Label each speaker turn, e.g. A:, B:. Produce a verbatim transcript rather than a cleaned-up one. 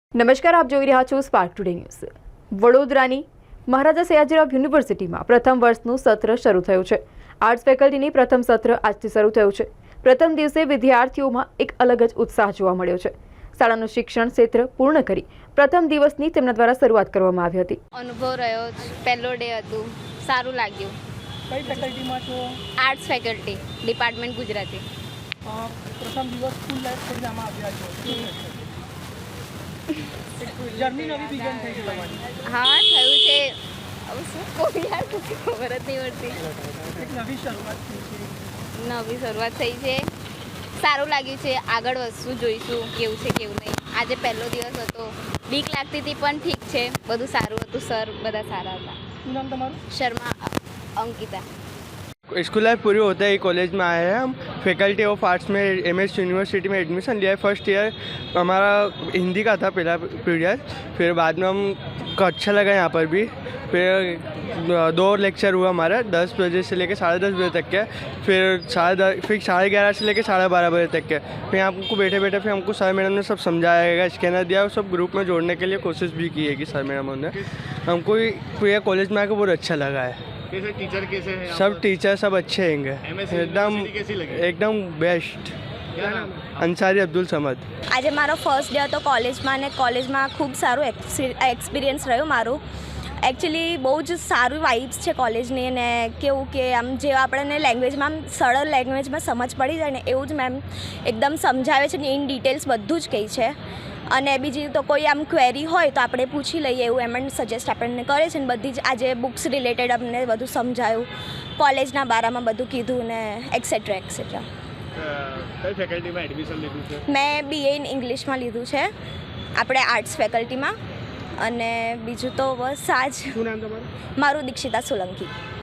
A: નમસ્કાર, આપ જોઈ રહ્યા છો સ્પાર્ક ટુડે ન્યૂઝ. વડોદરાની મહારાજા સયાજીરાવ યુનિવર્સિટીમાં પ્રથમ વર્ષનું સત્ર શરૂ થયું છે. આર્ટ્સ ફેકલ્ટીની પ્રથમ સત્ર આજથી શરૂ થયું છે. પ્રથમ દિવસે વિદ્યાર્થીઓમાં એક અલગ જ ઉત્સાહ જોવા મળ્યો છે. શાળાનું શિક્ષણ ક્ષેત્ર પૂર્ણ કરી પ્રથમ દિવસની તેમના દ્વારા શરૂઆત કરવામાં આવી હતી.
B: અનુભવ રહ્યો, પહેલો ડે હતું, સારું લાગ્યું.
C: કઈ ફેકલ્ટીમાં છો?
B: Arts faculty, department Gujarati.
C: પ્રથમ દિવસ સ્કૂલ લાઈફ છોડીને આમાં આવ્યા છો, જર્ની નવી બિગન થઈ છે તમારી?
B: હા, થયું છે. હવે શું કહું યાર, ખબર જ નહીં પડતી.
C: એક નવી શરૂઆત થઈ છે.
B: નવી શરૂઆત થઈ છે, સારું લાગ્યું છે. આગળ વસ્તુ જોઈશું કેવું છે કેવું નહીં. આજે પહેલો દિવસ હતો, બીક લાગતી હતી પણ ઠીક છે, બધું સારું હતું. સર બધા સારા હતા.
C: શું નામ તમારું?
B: શર્મા અંકિતા.
D: स्कूल लाइफ पूरी होते ही कॉलेज में आए हैं हम. फैकल्टी ऑफ आर्ट्स में एम एस यूनिवर्सिटी में एडमिशन लिया है. फर्स्ट ईयर हमारा हिंदी का था पहला पीरियड, फिर बाद में हमको अच्छा लगा यहाँ पर भी. फिर दो लेक्चर हुआ हमारा, दस बजे से लेकर साढ़े दस बजे तक के. फिर साढ़े दस फिर साढ़े ग्यारह से लेकर साढ़े बारह बजे तक के. फिर हमको बैठे बैठे फिर हमको सर मैडम ने सब समझाया, स्कैनर दिया और सब ग्रुप में जोड़ने के लिए कोशिश भी की है कि सर मैडम ने हमको पूरे कॉलेज में आकर बहुत अच्छा लगा है.
E: कैसे टीचर कैसे हैं?
D: सब टीचर सब अच्छे हैंगे, एकदम
E: कैसी लगी?
D: एकदम बेस्ट.
E: क्या नाम?
D: અંસારી અબ્દુલ સમદ.
F: આજે મારો ફર્સ્ટ ડે હતો કોલેજમાં, અને કોલેજમાં ખૂબ સારું એક્સપિરિયન્સ રહ્યું મારું. એકચ્યુઅલી બહુ જ સારું વાઇબ્સ છે કોલેજની, અને કેવું કે આમ જે આપણને લેંગ્વેજમાં આમ સરળ લેંગ્વેજમાં સમજ પડી જાય ને એવું જ મેમ એકદમ સમજાવે છે ને ઇન ડિટેલ્સ બધું જ કહે છે. અને બીજી તો કોઈ આમ ક્વેરી હોય તો આપણે પૂછી લઈએ એવું એમ સજેસ્ટ આપણને કરે છે. ને બધી જ આજે બુક્સ રિલેટેડ અમને બધું સમજાયું, કોલેજના બારામાં બધું કીધું ને એક્સેટ્રા એક્સેટ્રા.
E: કઈ ફેકલ્ટીમાં એડમિશન લીધું છે?
F: મેં બીએ ઇન ઇંગ્લિશમાં લીધું છે આપણે આર્ટ્સ ફેકલ્ટીમાં. અને બીજું તો બસ આ જ.
E: શું નામ તમારું?
F: મારું દીક્ષિતા સોલંકી.